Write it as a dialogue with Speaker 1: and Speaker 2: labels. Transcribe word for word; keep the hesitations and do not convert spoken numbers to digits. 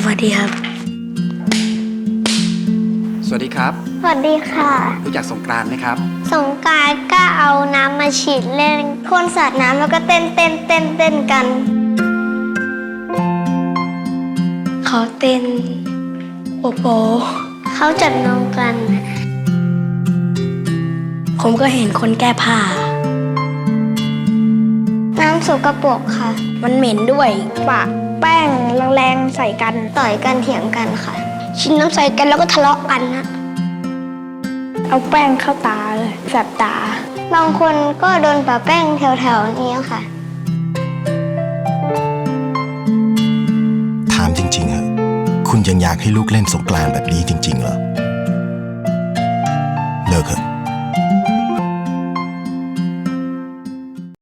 Speaker 1: วัสดีครับ
Speaker 2: สวัสดีครับ
Speaker 3: สวัสดีค่ะ
Speaker 2: รู้จักสงกรานต์ไหมครับ
Speaker 3: สงกรานต์ก็เอาน้ำมาฉีดเล่นคนสาดน้ำแล้วก็เต้นเต้นเต้นเต้นกัน
Speaker 1: เขาเต้นโปโป
Speaker 3: เขาจับน้องกัน
Speaker 1: ผมก็เห็นคนแก้ผ้า
Speaker 3: น้ำสกปรกค่ะ
Speaker 1: มันเหม็นด้วย
Speaker 3: ปะแป้งแรงๆใส่กันต่อยกันเถียงกันค่ะชิมน้ำใส่กันแล้วก็ทะเลาะกันนะเอาแป้งเข้าตาเลยแสบตาบางคนก็โดนปะแป้งแถวๆนี้ค่ะ
Speaker 4: ถามจริงๆอะคุณยังอยากให้ลูกเล่นสงกรานต์แบบนี้จริงๆเหรอ